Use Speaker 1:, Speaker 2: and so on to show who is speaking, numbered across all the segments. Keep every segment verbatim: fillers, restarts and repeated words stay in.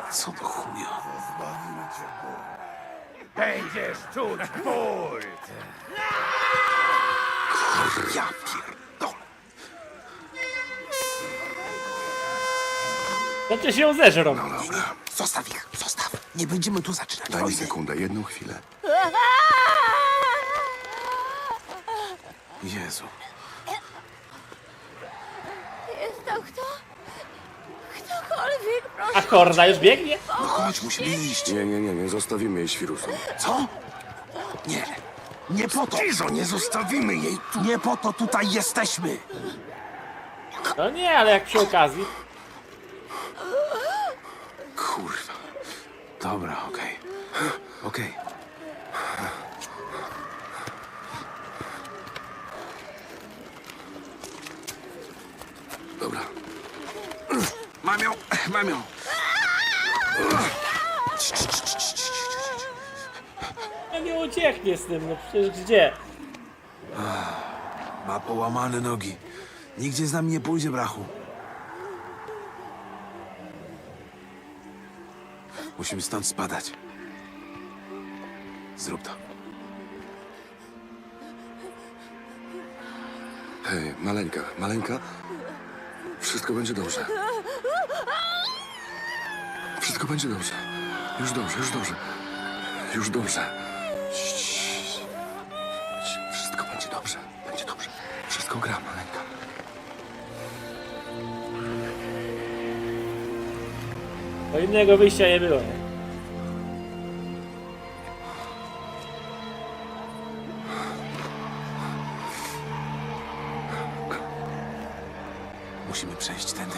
Speaker 1: Co do chuja?
Speaker 2: Będziesz czuć ból!
Speaker 1: Ja pierdolę.
Speaker 3: Znaczy się ją zeżrą.
Speaker 1: No dobra. Zostaw ich, zostaw. Nie będziemy tu zaczynać
Speaker 4: Daj mi
Speaker 1: wojny.
Speaker 4: sekundę, jedną chwilę.
Speaker 1: Jezu.
Speaker 5: Jest tam kto? Ktokolwiek, proszę.
Speaker 3: A Korda już biegnie?
Speaker 1: No chodź, musimy iść.
Speaker 4: Nie, nie, nie, nie zostawimy jej świrusom.
Speaker 1: Co? Nie. Nie po to.
Speaker 4: Cicho, nie zostawimy jej tu.
Speaker 1: Nie po to tutaj jesteśmy.
Speaker 3: No nie, ale jak przy okazji.
Speaker 1: Kurwa. Dobra, okej. Okej.
Speaker 4: Dobra.
Speaker 1: Mam ją, mam ją.
Speaker 3: No nie ucieknie z tym, no przecież gdzie?
Speaker 1: Ma połamane nogi. Nigdzie z nami nie pójdzie, brachu. Musimy stąd spadać. Zrób to.
Speaker 4: Hej, maleńka, maleńka. Wszystko będzie dobrze. Wszystko będzie dobrze. Już dobrze, już dobrze. Już dobrze. Ciii. Wszystko będzie dobrze. Będzie dobrze. Wszystko gra, maleńka.
Speaker 3: Bo innego wyjścia nie było. Nie?
Speaker 1: Musimy przejść tędy.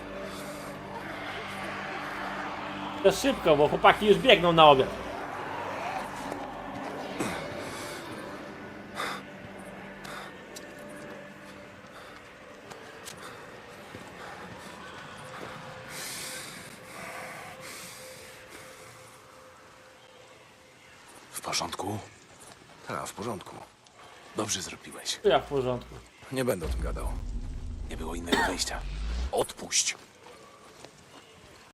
Speaker 3: To szybko, bo chłopaki już biegną na obiad.
Speaker 1: W porządku? Tak, w porządku. Dobrze zrobiłeś.
Speaker 3: To ja w porządku.
Speaker 1: Nie będę o tym gadał. Nie było innego wyjścia. Odpuść.